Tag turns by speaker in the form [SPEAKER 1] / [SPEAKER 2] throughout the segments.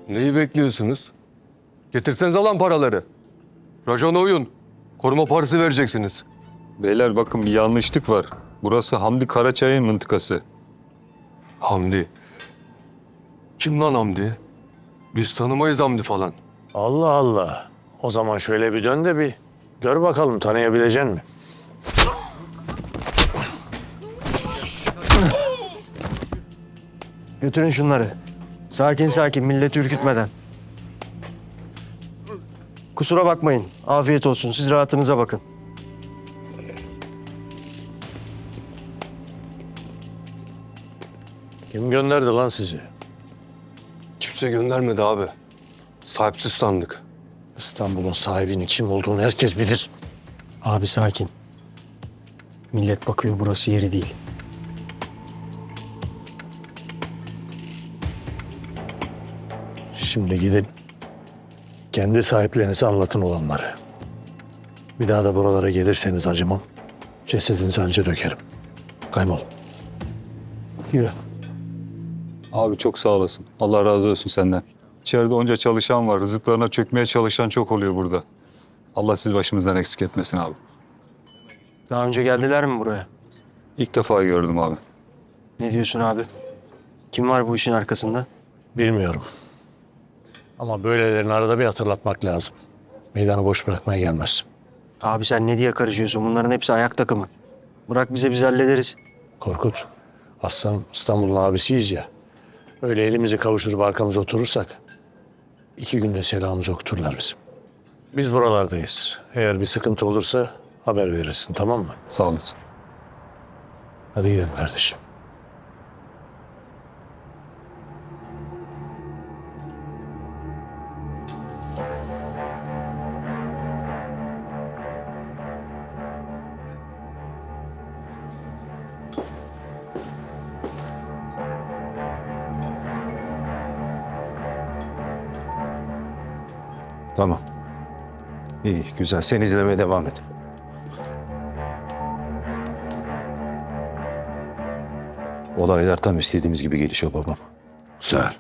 [SPEAKER 1] Neyi bekliyorsunuz? Getirsenize lan paraları. Rajona uyun. Koruma parası vereceksiniz.
[SPEAKER 2] Beyler bakın bir yanlışlık var. Burası Hamdi Karaçay'ın mıntıkası.
[SPEAKER 1] Hamdi. Kim lan Hamdi? Biz tanımayız Hamdi falan.
[SPEAKER 3] Allah Allah. O zaman şöyle bir dön de bir gör bakalım tanıyabilecek mi?
[SPEAKER 4] Götürün şunları. Sakin sakin, milleti ürkütmeden. Kusura bakmayın. Afiyet olsun. Siz rahatınıza bakın.
[SPEAKER 3] Kim gönderdi lan sizi?
[SPEAKER 1] Kimse göndermedi abi. Sahipsiz sandık.
[SPEAKER 3] İstanbul'un sahibinin kim olduğunu herkes bilir.
[SPEAKER 4] Abi sakin. Millet bakıyor, burası yeri değil.
[SPEAKER 3] Şimdi gidin kendi sahiplerinize anlatın olanları. Bir daha da buralara gelirseniz acımam. Cesedinizi anca dökerim. Kaybol. Yürü.
[SPEAKER 2] Abi çok sağ olasın. Allah razı olsun senden. İçeride onca çalışan var. Rızıklarına çökmeye çalışan çok oluyor burada. Allah sizi başımızdan eksik etmesin abi.
[SPEAKER 4] Daha önce geldiler mi buraya?
[SPEAKER 2] İlk defa gördüm abi.
[SPEAKER 4] Ne diyorsun abi? Kim var bu işin arkasında?
[SPEAKER 3] Bilmiyorum. Ama böylelerini arada bir hatırlatmak lazım. Meydanı boş bırakmaya gelmez.
[SPEAKER 4] Abi sen ne diye karışıyorsun? Bunların hepsi ayak takımı. Bırak bize, biz hallederiz.
[SPEAKER 3] Korkut, aslan İstanbul'un abisiyiz ya. Öyle elimizi kavuşturup arkamıza oturursak 2 günde selamımızı okuturlar bizim. Biz buralardayız. Eğer bir sıkıntı olursa haber verirsin, tamam mı?
[SPEAKER 2] Sağ olasın.
[SPEAKER 3] Hadi gidelim kardeşim.
[SPEAKER 5] Tamam. İyi, güzel. Sen izlemeye devam et. Olaylar tam istediğimiz gibi gelişiyor babam.
[SPEAKER 6] Güzel.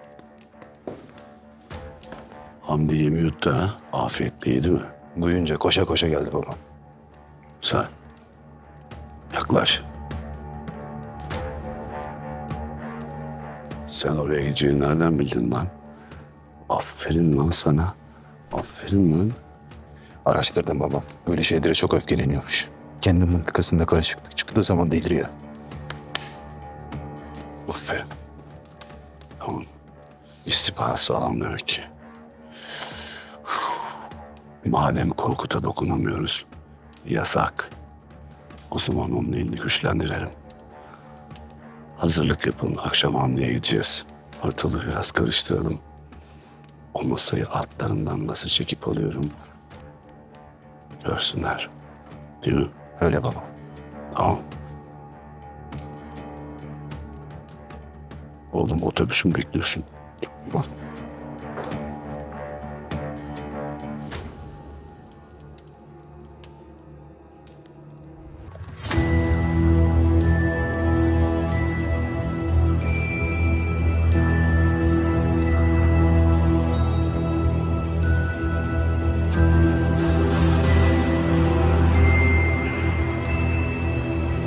[SPEAKER 6] Hamdi yemi yuttu ha. Afiyetliydi mi?
[SPEAKER 5] Duyunca koşa koşa geldi babam.
[SPEAKER 6] Güzel. Yaklaş. Sen oraya gideceğini nereden bildin lan? Aferin lan sana. Aferin lan.
[SPEAKER 5] Araştırdım babam. Böyle şeylere çok öfkeleniyormuş. Kendi mıntıkasında karışıklık çıktığı zaman deliriyor.
[SPEAKER 6] Aferin. Tamam. İstihbarat sağlam demek ki. Madem Korkut'a dokunamıyoruz, yasak. O zaman onun elini güçlendirelim. Hazırlık yapın, akşam Hamdi'ye gideceğiz. Ortalığı biraz karıştıralım. O masayı altlarından nasıl çekip alıyorum görsünler. Değil mi?
[SPEAKER 5] Öyle babam.
[SPEAKER 6] Tamam. Oğlum otobüsün bekliyorsun. Bak.